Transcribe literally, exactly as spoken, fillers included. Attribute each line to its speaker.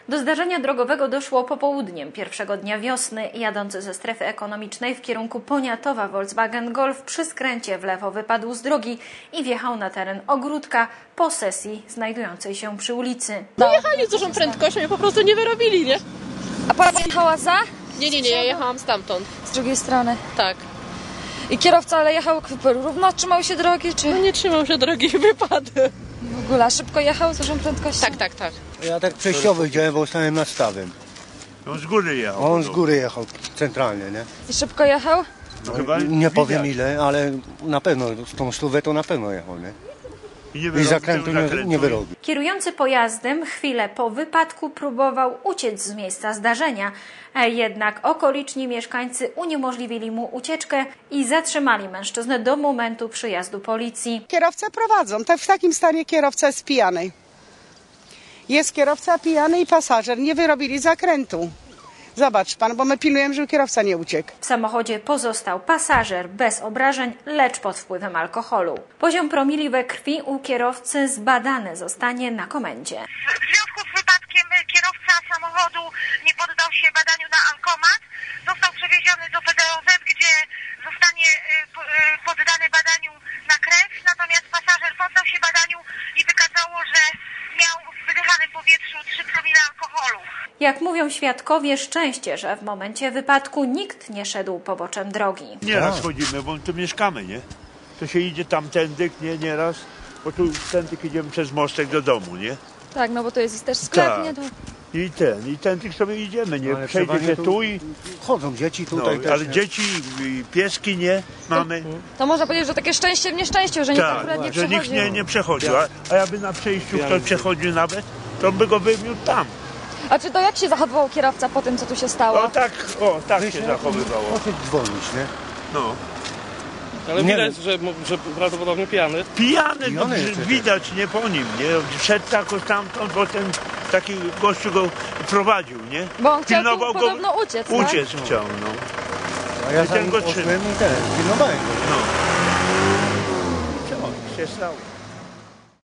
Speaker 1: Do zdarzenia drogowego doszło popołudniem pierwszego dnia wiosny. Jadący ze strefy ekonomicznej w kierunku Poniatowa Volkswagen Golf przy skręcie w lewo wypadł z drogi i wjechał na teren ogródka posesji znajdującej się przy ulicy.
Speaker 2: No jechali z dużą prędkością i po prostu nie wyrobili, nie?
Speaker 3: A pani jechała za?
Speaker 2: Nie, nie, nie, ja jechałam stamtąd.
Speaker 3: Z drugiej strony.
Speaker 2: Tak.
Speaker 3: I kierowca ale jechał równo, trzymał się drogi, czy
Speaker 2: No nie trzymał się drogi i wypadł.
Speaker 3: w ogóle a szybko jechał z dużą prędkością?
Speaker 2: Tak, tak, tak.
Speaker 4: Ja tak przejściowy działałem, bo stałem nad stawem.
Speaker 5: On z góry jechał.
Speaker 4: On z góry jechał centralnie, nie?
Speaker 3: I szybko jechał?
Speaker 5: No, chyba
Speaker 4: Nie powiem
Speaker 5: widać.
Speaker 4: ile, ale na pewno, z tą stówę to na pewno jechał, nie?
Speaker 5: I, nie
Speaker 4: I
Speaker 5: wyrobił
Speaker 4: zakrętu
Speaker 5: tego
Speaker 4: nie,
Speaker 5: zakrętu.
Speaker 4: nie wyrobił.
Speaker 1: Kierujący pojazdem chwilę po wypadku próbował uciec z miejsca zdarzenia, jednak okoliczni mieszkańcy uniemożliwili mu ucieczkę i zatrzymali mężczyznę do momentu przyjazdu policji.
Speaker 6: Kierowcę prowadzą. Tak, w takim stanie kierowca jest pijany. Jest kierowca pijany i pasażer. Nie wyrobili zakrętu. Zobacz pan, bo my pilnujemy, żeby kierowca nie uciekł.
Speaker 1: W samochodzie pozostał pasażer bez obrażeń, lecz pod wpływem alkoholu. Poziom promili we krwi u kierowcy zbadany zostanie na komendzie.
Speaker 7: W związku z wypadkiem kierowca samochodu nie poddał się badaniu na alkomat. Został przewieziony do P D O Z, gdzie zostanie poddany badaniu na krew. Natomiast pasażer poddał się badaniu i wykazało, że miał w wydychanym powietrzu trzy promile alkoholu.
Speaker 1: Jak mówią świadkowie, szczęście, że w momencie wypadku nikt nie szedł poboczem drogi.
Speaker 5: Nieraz chodzimy, bo tu mieszkamy, nie? To się idzie tamtędy, nie, nieraz, bo tu tędy idziemy przez mostek do domu, nie?
Speaker 3: Tak, no bo to jest też sklep,
Speaker 5: Tak.
Speaker 3: nie? To...
Speaker 5: I ten, i tędy sobie idziemy, nie?
Speaker 4: Ale
Speaker 5: Przejdzie
Speaker 4: trzeba
Speaker 5: się
Speaker 4: nie
Speaker 5: tu i...
Speaker 4: Chodzą dzieci
Speaker 5: No,
Speaker 4: tutaj też,
Speaker 5: ale
Speaker 4: nie?
Speaker 5: dzieci, i pieski nie mamy.
Speaker 3: to można powiedzieć, że takie szczęście w nieszczęściu, że nikt
Speaker 5: Tak,
Speaker 3: akurat nie
Speaker 5: że nikt
Speaker 3: przechodził.
Speaker 5: nie, nie przechodził. A, a jakby na przejściu ktoś przechodził nawet, to by go wymiótł tam.
Speaker 3: A czy to jak się zachowywał kierowca po tym, co tu się stało?
Speaker 5: O tak, o tak się
Speaker 4: Wyszedł,
Speaker 5: zachowywało.
Speaker 4: poszedł dzwonić, nie?
Speaker 5: No.
Speaker 8: Ale
Speaker 4: Nie
Speaker 8: widać, że, że prawdopodobnie pijany.
Speaker 5: Pijany, no,
Speaker 4: Pijany jest
Speaker 5: widać nie po nim, nie? Szedł jakoś tamtąd, bo ten taki gościu go prowadził, nie?
Speaker 3: Bo on chciał tu
Speaker 5: Pilnował go-
Speaker 3: podobno uciec, tak?
Speaker 5: Uciec chciał, no.
Speaker 4: A ja
Speaker 5: I
Speaker 4: za
Speaker 5: ten
Speaker 4: nim
Speaker 5: go trzymał.
Speaker 4: poszłem i ten, pilnowałem go.
Speaker 5: no. Co się stało?